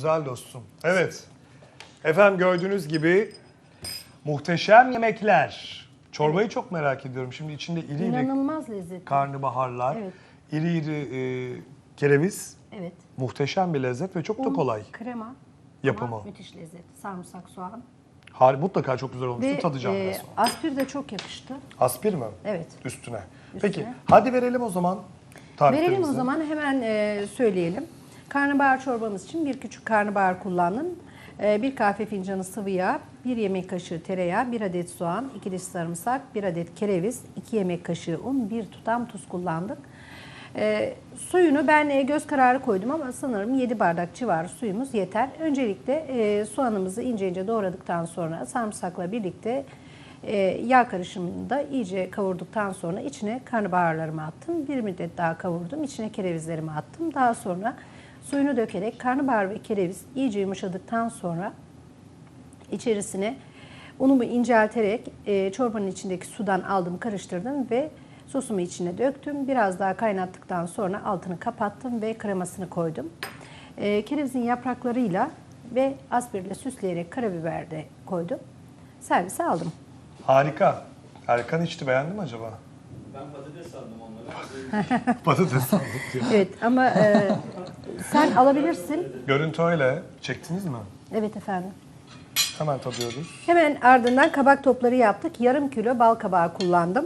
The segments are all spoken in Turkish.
Güzel dostum. Evet. Efendim gördüğünüz gibi muhteşem yemekler. Çorbayı çok merak ediyorum. Şimdi içinde iri iri İnanılmaz lezzetli. karnabaharlar, Evet. iri iri kereviz. Evet. Muhteşem bir lezzet ve çok da Un, kolay krema. yapımı. Ama müthiş lezzet. Sarımsak, soğan. Mutlaka çok güzel olmuştur. Ve Tadacağım biraz sonra. aspir de çok yakıştı. Aspir mi? Evet. Üstüne. Üstüne. Peki hadi verelim o zaman tariflerimizi. Verelim o zaman hemen söyleyelim. Karnabahar çorbamız için bir küçük karnabahar kullandım. Bir kahve fincanı sıvı yağ, 1 yemek kaşığı tereyağı, 1 adet soğan, 2 diş sarımsak, 1 adet kereviz, 2 yemek kaşığı un, 1 tutam tuz kullandık. Suyunu ben göz kararı koydum ama sanırım 7 bardak civarı suyumuz yeter. Öncelikle soğanımızı ince ince doğradıktan sonra sarımsakla birlikte yağ karışımını da iyice kavurduktan sonra içine karnabaharlarımı attım. Bir müddet daha kavurdum. İçine kerevizlerimi attım. Daha sonra suyunu dökerek karnabahar ve kereviz iyice yumuşadıktan sonra içerisine unumu incelterek çorbanın içindeki sudan aldım, karıştırdım ve sosumu içine döktüm. Biraz daha kaynattıktan sonra altını kapattım ve kremasını koydum. Kerevizin yapraklarıyla ve aspirle süsleyerek karabiber de koydum. Servise aldım. Harika. Erkan içti, beğendi mi acaba? Ben patates sandım onları. Patates sandık diyor. Evet ama sen alabilirsin. Görüntü öyle. Çektiniz mi? Evet efendim. Hemen tadıyoruz. Hemen ardından kabak topları yaptık. Yarım kilo bal kabağı kullandım.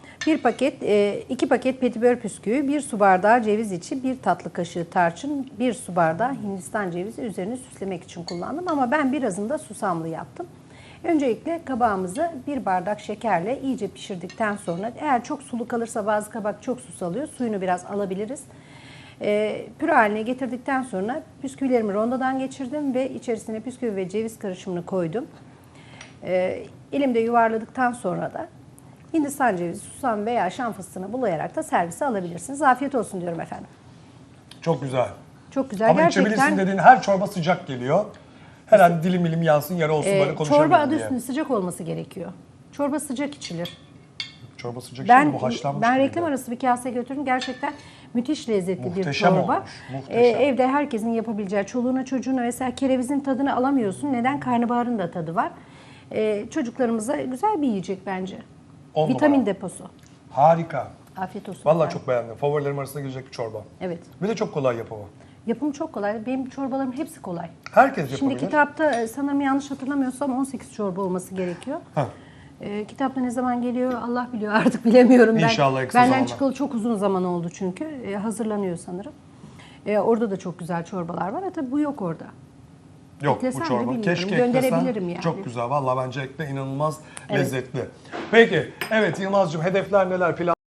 2 paket petibör püsküvü, 1 su bardağı ceviz içi, 1 tatlı kaşığı tarçın, 1 su bardağı Hindistan cevizi üzerini süslemek için kullandım. Ama ben birazını da susamlı yaptım. Öncelikle kabağımızı 1 bardak şekerle iyice pişirdikten sonra, eğer çok sulu kalırsa bazı kabak çok su salıyor, suyunu biraz alabiliriz. Püre haline getirdikten sonra püsküvilerimi rondodan geçirdim ve içerisine püsküvi ve ceviz karışımını koydum. Elimde yuvarladıktan sonra da Hindistan cevizi, susam veya şam fıstığını bulayarak da servise alabilirsiniz. Afiyet olsun diyorum efendim. Çok güzel. Çok güzel. Ama içebilirsin dediğin her çorba sıcak geliyor. Herhalde dilim milim yansın, yarı olsun böyle konuşabilirim çorba adı diye. üstünde sıcak olması gerekiyor. Çorba sıcak içilir. Çorba sıcak Ben şimdi bu haşlanmış. ben gibi. reklam arası bir kase götürdüm. Gerçekten müthiş lezzetli Muhteşem bir çorba. olmuş, muhteşem. Evde herkesin yapabileceği, çoluğuna çocuğuna mesela kerevizin tadını alamıyorsun. Neden? Karnabaharın da tadı var. Çocuklarımıza güzel bir yiyecek bence. 10 Vitamin numara. deposu. Harika. Afiyet olsun. Vallahi efendim. çok beğendim. Favorilerim arasında girecek bir çorba. Evet. Bir de çok kolay yapımı. Yapımı çok kolay. Benim çorbalarım hepsi kolay. Herkes yapabilir. Şimdi kitapta sanırım yanlış hatırlamıyorsam 18 çorba olması gerekiyor. Ha. Kitapta ne zaman geliyor Allah biliyor, artık bilemiyorum. İnşallah en kısa Benden zamanda. çıkalı çok uzun zaman oldu çünkü. Hazırlanıyor sanırım. Orada da çok güzel çorbalar var. Tabii bu yok orada. Yok Eklesem bu de çorba. bilmiyorum. Keşke Gönderebilirim eklesen. yani. Çok güzel. Vallahi bence ekle, inanılmaz Evet. lezzetli. Peki. Evet Yılmaz'cığım hedefler neler? Plan